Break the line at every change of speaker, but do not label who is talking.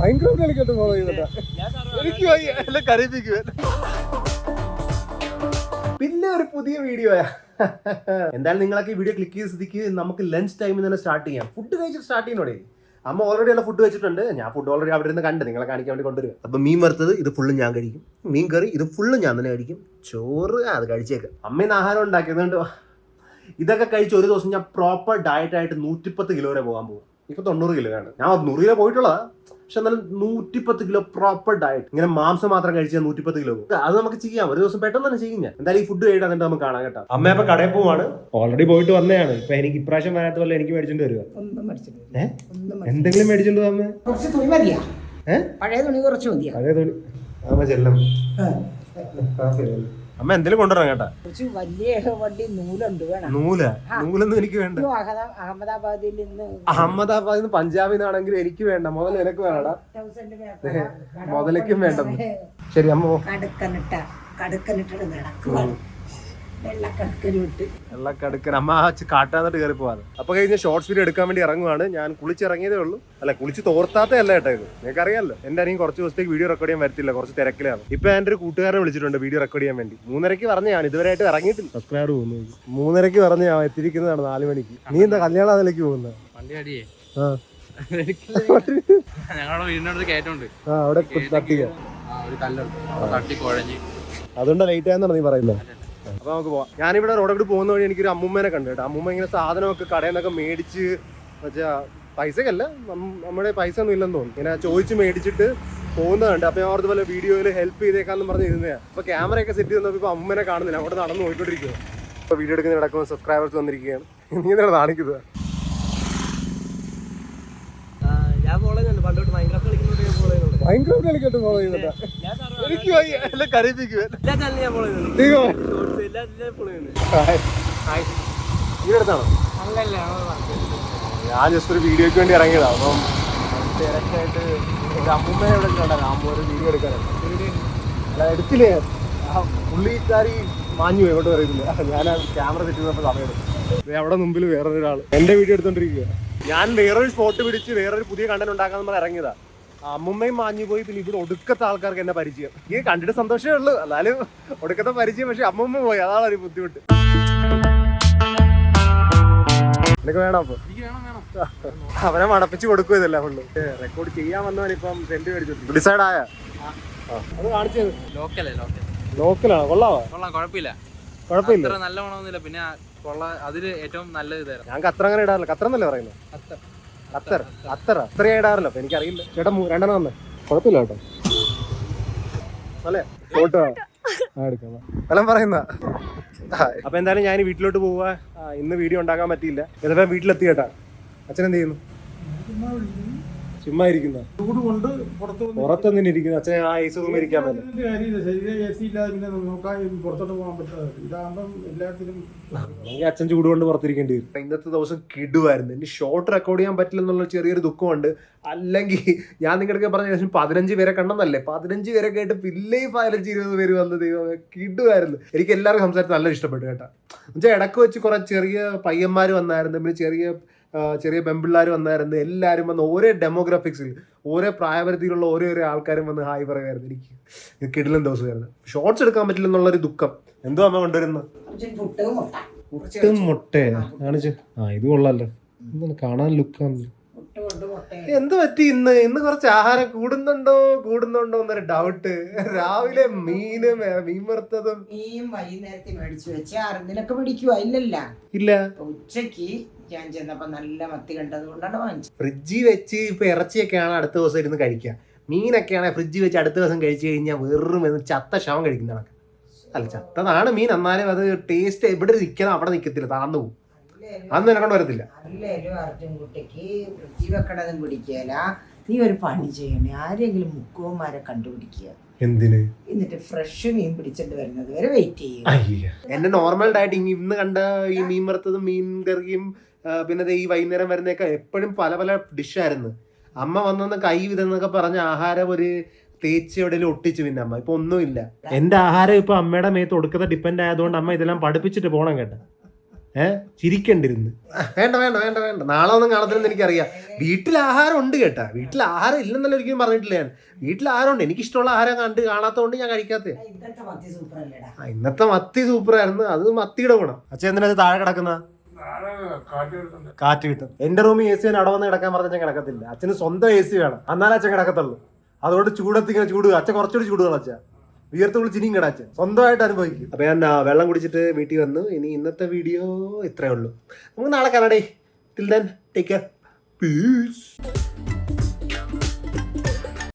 പിന്നെ ഒരു പുതിയ വീഡിയോ എന്തായാലും നിങ്ങളൊക്കെ ഈ വീഡിയോ ക്ലിക്ക് ചെയ്ത് സ്ഥിതിക്ക് നമുക്ക് ലഞ്ച് ടൈമിൽ തന്നെ സ്റ്റാർട്ട് ചെയ്യാം. ഫുഡ് കഴിച്ചിട്ട് സ്റ്റാർട്ട് ചെയ്യുന്നോടെ. അമ്മ ഓൾറെഡി ഉള്ള ഫുഡ് വെച്ചിട്ടുണ്ട്. ഞാൻ ഫുഡ് ഓൾറെഡി അവിടെ നിന്ന് കണ്ട് നിങ്ങളെ കാണിക്കാൻ വേണ്ടി കൊണ്ടുവരിക. അപ്പൊ മീൻ വറുത്തത് ഇത് ഫുള്ള് ഞാൻ കഴിക്കും. മീൻ കറി ഇത് ഫുള്ള് ഞാൻ തന്നെ കഴിക്കും. ചോറ് അത് കഴിച്ചേക്കാം. അമ്മയിന്ന് ആഹാരം ഉണ്ടാക്കിയതുകൊണ്ട് ഇതൊക്കെ കഴിച്ച് ഒരു ദിവസം ഞാൻ പ്രോപ്പർ ഡയറ്റ് ആയിട്ട് 110 കിലോ വരെ പോകാൻ പോകും. ഇപ്പൊ 90 കിലോ ആണ്. ഞാൻ 100 കിലോ പോയിട്ടുള്ളതാ. പക്ഷെ എന്നാലും 110 കിലോ പ്രോപ്പർ ഡയറ്റ്. ഇങ്ങനെ മാംസം മാത്രം കഴിച്ചാൽ 110 കിലോ പോകും. അത് നമുക്ക് ചെയ്യാം. ഒരു ദിവസം പെട്ടെന്ന് തന്നെ ചെയ്യും. ഞാൻ എന്തായാലും ഈ ഫുഡ് കഴിയിട്ട് എന്നിട്ട് നമുക്ക് കാണാൻ കേട്ടോ. അമ്മ ഇപ്പൊ കടയിൽ പോവാണ്. ഓൾറെഡി പോയിട്ട് വന്നതാണ്. ഇപ്പൊ എനിക്ക് ഇപ്രാവശ്യം വരാത്ത പോലെ എനിക്ക് മേടിച്ചോണ്ട് വരിക. എന്തെങ്കിലും മേടിച്ചോണ്ട് അമ്മ
കുറച്ച് തുണി മതിയാ. പഴയ തുണി കുറച്ച് മതിയാ.
പഴയ തുണി അമ്മ ചെല്ലും. അമ്മ എന്തെങ്കിലും കൊണ്ടുവരാം കേട്ടാ.
കുറച്ച് വലിയ വണ്ടി നൂലുണ്ട്. വേണം
നൂലൊന്നും എനിക്ക് വേണ്ട.
അഹമ്മദാബാദിൽ നിന്ന്
അഹമ്മദാബാദിൽ നിന്ന് പഞ്ചാബിൽ നിന്നാണെങ്കിൽ എനിക്ക് വേണ്ട. മുതൽ എനിക്ക് വേണടാ. മുതലേക്കും വേണ്ട. ശരി അമ്മ
കടുക്കനിട്ട് നടക്കുക.
വെള്ളക്കടുക്കൻ അമ്മ കാട്ടാന്നിട്ട് കയറി പോവാണ്. അപ്പൊ കഴിഞ്ഞ ഷോർട്സ് വീഡിയോ എടുക്കാൻ വേണ്ടി ഇറങ്ങുവാണ്. ഞാൻ കുളിച്ചിറങ്ങിയതേ ഉള്ളൂ. അല്ല കുളിച്ച് തോർത്താത്തേ അല്ല കേട്ടോ ഇത്. നിങ്ങൾക്ക് അറിയാമല്ലോ എന്റെ അനിയും കുറച്ച് ദിവസത്തേക്ക് വീഡിയോ റെക്കോർഡ് ചെയ്യാൻ വരത്തില്ല. കുറച്ച് തിരക്കിലാണ്. ഇപ്പൊ എന്റെ ഒരു കൂട്ടുകാരനെ വിളിച്ചിട്ടുണ്ട് വീഡിയോ റെക്കോർഡ് ചെയ്യാൻ വേണ്ടി. 3:30 പറഞ്ഞ ഞാൻ ഇതുവരെയായിട്ട് ഇറങ്ങിയിട്ടില്ല. സബ്സ്ക്രൈബർ പോകുന്നു. 3:30 പറഞ്ഞ ഞാൻ എത്തിയിരിക്കുന്നതാണ് 4 മണിക്ക്. നീ എന്താ കല്യാണം അതിലേക്ക് പോകുന്നത്? അതുകൊണ്ടാ ലേറ്റ് ആയെന്നാണ് നീ പറയുന്നത്. അപ്പൊ നമുക്ക് പോവാം. ഞാനിവിടെ റോഡോട്ട് പോകുന്ന വഴി എനിക്കൊരു അമ്മൂമ്മേനെ കണ്ടു കേട്ടോ. അമ്മൂമ്മ ഇങ്ങനെ സാധനമൊക്കെ കടയിൽ നിന്നൊക്കെ മേടിച്ച് വെച്ചാ പൈസക്കല്ല, നമ്മുടെ പൈസ ഒന്നും ഇല്ലെന്ന് തോന്നുന്നു. ഇങ്ങനെ ചോദിച്ച് മേടിച്ചിട്ട് പോകുന്നതുണ്ട്. അപ്പൊ ഞാൻ ഓർത്ത് പോലെ വീഡിയോയിൽ ഹെൽപ്പ് ചെയ്തേക്കാന്ന് പറഞ്ഞ് ഇരുന്നതാണ്. അപ്പൊ ക്യാമറയൊക്കെ സെറ്റ് ചെയ്ത് ഇപ്പൊ അമ്മൂമ്മേനെ കാണുന്നില്ല. അവിടെ നടന്ന് പോയിക്കൊണ്ടിരിക്കുക. ഇപ്പൊ വീഡിയോ എടുക്കുന്ന നടക്കുമ്പോൾ സബ്സ്ക്രൈബേഴ്സ് വന്നിരിക്കുകയാണ്. നീ എന്താണ് കാണിക്കുന്നത്? മൈൻക്രാഫ്റ്റ് കളിക്കട്ടെ ഫോളോ ചെയ്യുന്നുണ്ട്. എനിക്ക് എല്ലാം കരയിപ്പിക്കുക. ഈടത്താണോ? ഞാൻ ജസ്റ്റ് ഒരു വീഡിയോക്ക് വേണ്ടി ഇറങ്ങിയതാണ്. അപ്പം തിരക്കായിട്ട് ഒരു അമ്മൂമ്മനെ ഇവിടെ കണ്ടല്ലോ. അമ്മ ഒരു വീഡിയോ എടുക്കാനാണ്. അല്ല എടുത്തില്ലേ, പുള്ളിക്കാരി മാഞ്ഞു പോയി. എങ്ങോട്ട് പറയുന്നില്ല. ഞാൻ ക്യാമറ സെറ്റ് ചെയ്തപ്പോൾ സമയം എടുത്തു. അവിടെ മുമ്പിൽ വേറൊരാൾ എന്റെ വീഡിയോ എടുത്തോണ്ടിരിക്കുക. ഞാൻ വേറൊരു സ്പോട്ട് പിടിച്ച് വേറൊരു പുതിയ കണ്ടന്റ് ഉണ്ടാക്കാന്ന് പറഞ്ഞ് ഇറങ്ങിയതാ. അമ്മുമ്മയും മാഞ്ഞു പോയി. പിന്നെ ഇവിടെ ഒടുക്കത്തെ ആൾക്കാർക്ക് എന്നെ പരിചയം. ഈ കണ്ടിട്ട് സന്തോഷമേ ഉള്ളൂ. എന്നാലും ഒടുക്കത്തെ പരിചയം. പക്ഷെ അമ്മുമ്മ പോയി, അതാണ് ഒരു ബുദ്ധിമുട്ട്. നിനക്ക് വേണം? അപ്പൊ അവനെ മടപ്പിച്ച് കൊടുക്കും. ഇതല്ല ഫുള്ള് റെക്കോർഡ് ചെയ്യാൻ വന്നവൻ ഇപ്പം സെന്റ് മേടിച്ചു. ഡിസൈഡ് ആയ അത് കാണിച്ചത് ലോക്കലാണോ? കൊള്ളാവോ?
കുഴപ്പമില്ല. നല്ല ഗുണമൊന്നുമില്ല. പിന്നെ അതില് ഏറ്റവും നല്ലത്
ഞാൻ ഖത്തർ അങ്ങനെ ഇടാറില്ല. ഖത്തർ എന്നല്ലേ പറയുന്നത്? അത്രയാ ഇടാറില്ല. അപ്പൊ എനിക്കറിയില്ല. ചേട്ടാ 2 വന്നേ. കുഴപ്പമില്ല കേട്ടോ. അല്ലേ ഫോട്ടോ എടുക്കാം. എല്ലാം പറയുന്ന. അപ്പൊ എന്തായാലും ഞാൻ വീട്ടിലോട്ട് പോവാ. ഇന്ന് വീഡിയോ ഉണ്ടാക്കാൻ പറ്റിയില്ല. എന്നിട്ട് വീട്ടിലെത്തി കേട്ടാ. അച്ഛൻ എന്ത് ചെയ്യുന്നു? ചുമ്മാ ഇരിക്കുന്ന. ചൂട് കൊണ്ട് പുറത്തൊന്നും ഇരിക്കുന്നു. അച്ഛൻ ആ ഐസ് റൂമിൽ ഇരിക്കാൻ പറ്റില്ല. അച്ഛൻ ചൂട് കൊണ്ട് പുറത്തിരിക്കേണ്ടി വരും. ഇന്നത്തെ ദിവസം കിടുവായിരുന്നു. ഇനി ഷോർട്ട് റെക്കോർഡ് ചെയ്യാൻ പറ്റില്ല എന്നുള്ള ചെറിയൊരു ദുഃഖമുണ്ട്. അല്ലെങ്കിൽ ഞാൻ നിങ്ങളുടെ പറഞ്ഞ ശേഷം 15 പേരെ കണ്ടെന്നല്ലേ, 15 പേരെ കേട്ട് പിന്നെയും 15-20 പേര് വന്ന് ദൈവം കിടുവായിരുന്നു. എനിക്ക് എല്ലാവർക്കും സംസാരിച്ച് നല്ല ഇഷ്ടപ്പെട്ടു കേട്ടോ. എന്നുവെച്ചാൽ ഇടക്ക് വെച്ച് കുറെ ചെറിയ പയ്യന്മാർ വന്നായിരുന്നു. പിന്നെ ചെറിയ പെമ്പിള്ളാർ വന്നായിരുന്നു. എല്ലാവരും വന്ന് ഓരോ ഡെമോഗ്രാഫിക്സിൽ ഓരോ പ്രായപരിധിയിലുള്ള ഓരോ ആൾക്കാരും വന്ന് ഹായ് പറയുമായിരുന്നു. എനിക്ക് കിടിലൻ ദിവസമായിരുന്നു. ഷോർട്സ് എടുക്കാൻ പറ്റില്ല എന്നുള്ളൊരു ദുഃഖം. എന്തോ അമ്മ കൊണ്ടുവരുന്നത്? പുട്ടും മുട്ടയാ കാണിച്ചു. ഇത് കൊള്ളാലോ. കാണാൻ ലുക്കാണല്ലോ. എന്ത് പറ്റി ഇന്ന് കുറച്ച് ആഹാരം കൂടുന്നുണ്ടോ എന്നൊരു ഡൗട്ട്. രാവിലെ മീൻ വറുത്തതും
വൈകുന്നേരത്തെ മേടിച്ചു വെച്ചാ നിനക്ക് പിടിക്കുവാ? ഇല്ല. ഉച്ചക്ക് ഞാൻ ചെന്നപ്പോ നല്ല മത്തി കണ്ടത് കൊണ്ടാണ് വാങ്ങിച്ചത്.
ഫ്രിഡ്ജിൽ വെച്ച് ഇപ്പൊ ഇറച്ചിയൊക്കെയാണ് അടുത്ത ദിവസം ഇരുന്ന് കഴിക്കുക. മീനൊക്കെയാണ് ഫ്രിഡ്ജിൽ വെച്ച് അടുത്ത ദിവസം കഴിച്ചു കഴിഞ്ഞാൽ വെറും ചത്ത ശവം കഴിക്കുന്നതാണ്. അല്ല ചത്തതാണ് മീൻ. എന്നാലും അത് ടേസ്റ്റ് എവിടെ നിൽക്കണം അവിടെ നിൽക്കത്തില്ല, താന്നു പോകും. അന്ന് എന്നെ കൊണ്ട് വരത്തില്ല.
നല്ലൊരു അർജുൻകുട്ടിക്ക് ഫ്രിഡ്ജിൽ വെക്കണതും പിടിക്കല. നീ ഒരു പണി ചെയ്യണേ, ആരെങ്കിലും മുക്കുവന്മാരെ കണ്ടുപിടിക്കുക.
എന്തിന്?
എന്നിട്ട് ഫ്രഷ് മീൻ പിടിച്ചിട്ട് വരുന്നത് വരെ വെയിറ്റ് ചെയ്യുക.
എന്റെ നോർമൽ ഡയറ്റ് ഇന്ന് കണ്ട ഈ മീൻ വറുത്തതും മീൻ കറിയും പിന്നെ ഈ വൈകുന്നേരം വരുന്നതൊക്കെ എപ്പോഴും പല ഡിഷായിരുന്നു. അമ്മ വന്നൊന്ന് കൈ വിതെന്നൊക്കെ പറഞ്ഞ ആഹാരം ഒരു തേച്ച് എവിടെയെങ്കിലും ഒട്ടിച്ചു. പിന്നെ അമ്മ ഇപ്പൊ ഒന്നുമില്ല. എന്റെ ആഹാരം ഇപ്പൊ അമ്മയുടെ മേത്ത് ഒടുക്കത്തെ ഡിപ്പെൻഡ് ആയതുകൊണ്ട് അമ്മ ഇതെല്ലാം പഠിപ്പിച്ചിട്ട് പോണം കേട്ടോ. ചിരിക്കണ്ടിരുന്ന്. വേണ്ട വേണ്ട വേണ്ട വേണ്ട, നാളെ ഒന്നും കാണത്തില്ലെന്ന് എനിക്കറിയാം. വീട്ടിൽ ആഹാരം ഉണ്ട് കേട്ടാ, വീട്ടിൽ ആഹാരം ഇല്ലെന്നല്ല ഒരിക്കലും പറഞ്ഞിട്ടില്ല ഞാൻ. വീട്ടിൽ ആഹാരം ഉണ്ട്, എനിക്കിഷ്ടമുള്ള ആഹാരം കാണാത്തതുകൊണ്ട് ഞാൻ കഴിക്കാത്ത. ഇന്നത്തെ മത്തി സൂപ്പറായിരുന്നു. അത് മത്തിയുടെ ഗുണം. അച്ഛൻ എന്തിനാ താഴെ കിടക്കുന്ന? കാറ്റ് കിട്ടും. എന്റെ റൂമിൽ AC അവിടെ വന്ന് കിടക്കാൻ പറഞ്ഞാൽ കിടക്കത്തില്ല. അച്ഛന് സ്വന്തം AC വേണം, എന്നാലേ അച്ഛൻ കിടക്കത്തുള്ളൂ. അതുകൊണ്ട് ചൂടത്തിങ്ങനെ ചൂട്, അച്ഛൻ കുറച്ചുകൂടി ചൂടുകൾ അച്ഛൻ വിയർത്ത് വിളിച്ചിനിയും കിടാച്ചൻ സ്വന്തമായിട്ട് അനുഭവിക്കും. അപ്പൊ ഞാൻ വെള്ളം കുടിച്ചിട്ട് വീട്ടിൽ വന്നു. ഇനി ഇന്നത്തെ വീഡിയോ ഇത്രയേ ഉള്ളൂ. നമുക്ക് നാളെ കാണാടേ. Till then take care. Piece.